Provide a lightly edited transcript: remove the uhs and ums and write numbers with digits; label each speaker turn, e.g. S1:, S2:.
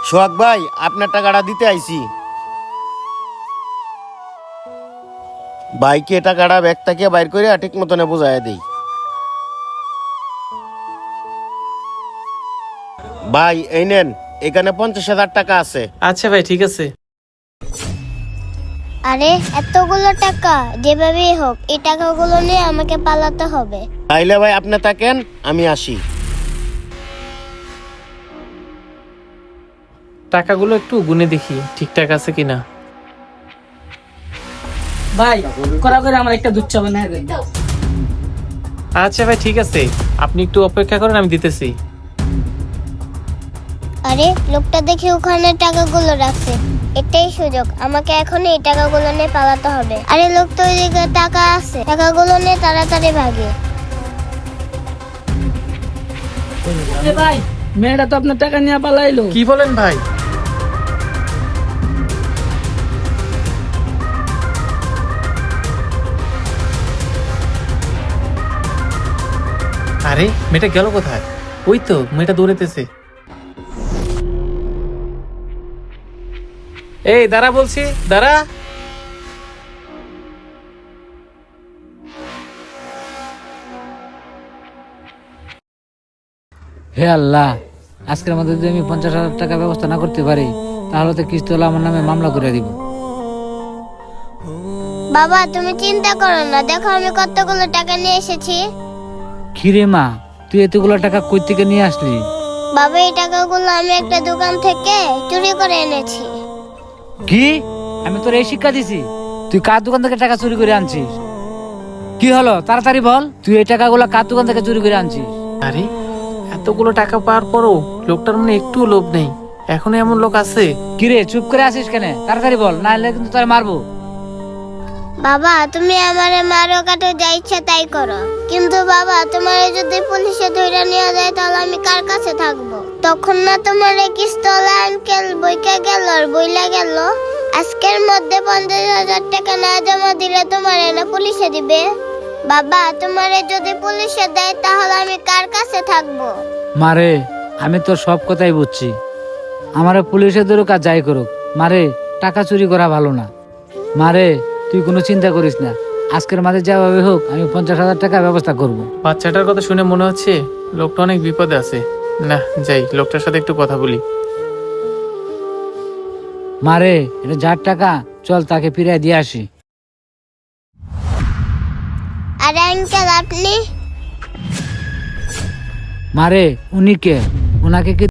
S1: সোহাগ ভাই, আপনার টাকাটা দিতে আইছি। বাইকে টাকাটা ব্যাগ থেকে বাইর করে ঠিক মতনে বোঝায় দেই। ভাই এই নেন, এখানে 50,000 টাকা আছে।
S2: আচ্ছা ভাই, ঠিক আছে।
S3: আরে এতগুলো টাকা, যেভাবেই হোক এই টাকাগুলো নিয়ে আমাকে পালাতে হবে।
S1: তাইলে ভাই আপনি থাকেন, আমি আসি।
S2: টাকাগুলো একটু গুনে দেখি ঠিকঠাক আছে কিনা।
S4: ভাই করা করে আমার একটা দুধ চা বানায় দেন।
S2: আচ্ছা ভাই, ঠিক আছে, আপনি একটু অপেক্ষা করেন, আমি দিতেছি।
S3: আরে লোকটা দেখি ওখানে টাকাগুলো রাখছে, এটাই সুযোগ, আমাকে এখন এই টাকাগুলো নিয়ে পালাতে হবে। আরে লোক তো ওইদিকে টাকা আছে, টাকাগুলো নিয়ে তাড়াতাড়ি ভাগে।
S4: ভাই মেয়েটা তো আপনার টাকা নিয়ে পালাইলো।
S2: কি বলেন ভাই? আরে মেয়েটা গেল কোথায়? ওই তো মেয়েটা দৌড়াইতেছে। এই দাঁড়া বলছি, দাঁড়া।
S5: হে আল্লাহ, আজকের মধ্যে যদি আমি 50,000 টাকা ব্যবস্থা না করতে পারি তাহলে তো কিস্তিওয়ালা আমার নামে মামলা করে দিব।
S3: বাবা তুমি চিন্তা করো না, দেখো আমি কতগুলো টাকা নিয়ে এসেছি।
S5: কিরে মা, তুই এতগুলো টাকা কই থেকে নিয়ে আসলি?
S3: বাবা এই টাকাগুলো আমি একটা দোকান থেকে চুরি করে এনেছি।
S5: কি? আমি তোর এই শিক্ষা দিছি? তুই কার দোকান থেকে টাকা চুরি করে আনছিস? কি হলো তাড়াতাড়ি বল, তুই এই টাকাগুলো কার দোকান থেকে চুরি করে আনছিস?
S2: আরে এতগুলো টাকা পাওয়ার পরও লোকটার মনে একটু লোভ নেই। এখনো এমন লোক আছে?
S5: কিরে চুপ করে আসিস কেন? তাড়াতাড়ি বল, না হলে কিন্তু তোর মারবো।
S3: বাবা তুমি আমারে মারো কাটো, যা ইচ্ছা তাই করো, কিন্তু বাবা তোমারে যদি পুলিশে ধরে নিয়ে যায় তাহলে আমি কার কাছে থাকবো? তখন না তোমার কিস্তলা আঙ্কেল বইকা গেল আর বইলা গেল আজকের মধ্যে 50,000 টাকা না জমা দিলে তোমারে না পুলিশে দিবে। বাবা তোমারে যদি পুলিশে দেয় তাহলে আমি কার কাছে থাকবো?
S5: মারে, আমি তোর সব কথাই বুঝছি, আমারে পুলিশে ধরুক আর যাই করুক, মারে টাকা চুরি করা ভালো না। মারে তুই কোনো চিন্তা করিস না, আজকের মাঝে যাভাবে হোক আমি 50,000 টাকা ব্যবস্থা করব।
S2: বাচ্চাটার কথা শুনে মনে হচ্ছে লোকটা অনেক বিপদে আছে। না যাই, লোকটার সাথে একটু কথা বলি।
S5: মারে এটা যার টাকা, চল তাকে ফিরিয়ে দিয়ে আসি।
S3: আরে আঙ্কেল আপনি?
S5: মারে উনি কে? ওনাকে কি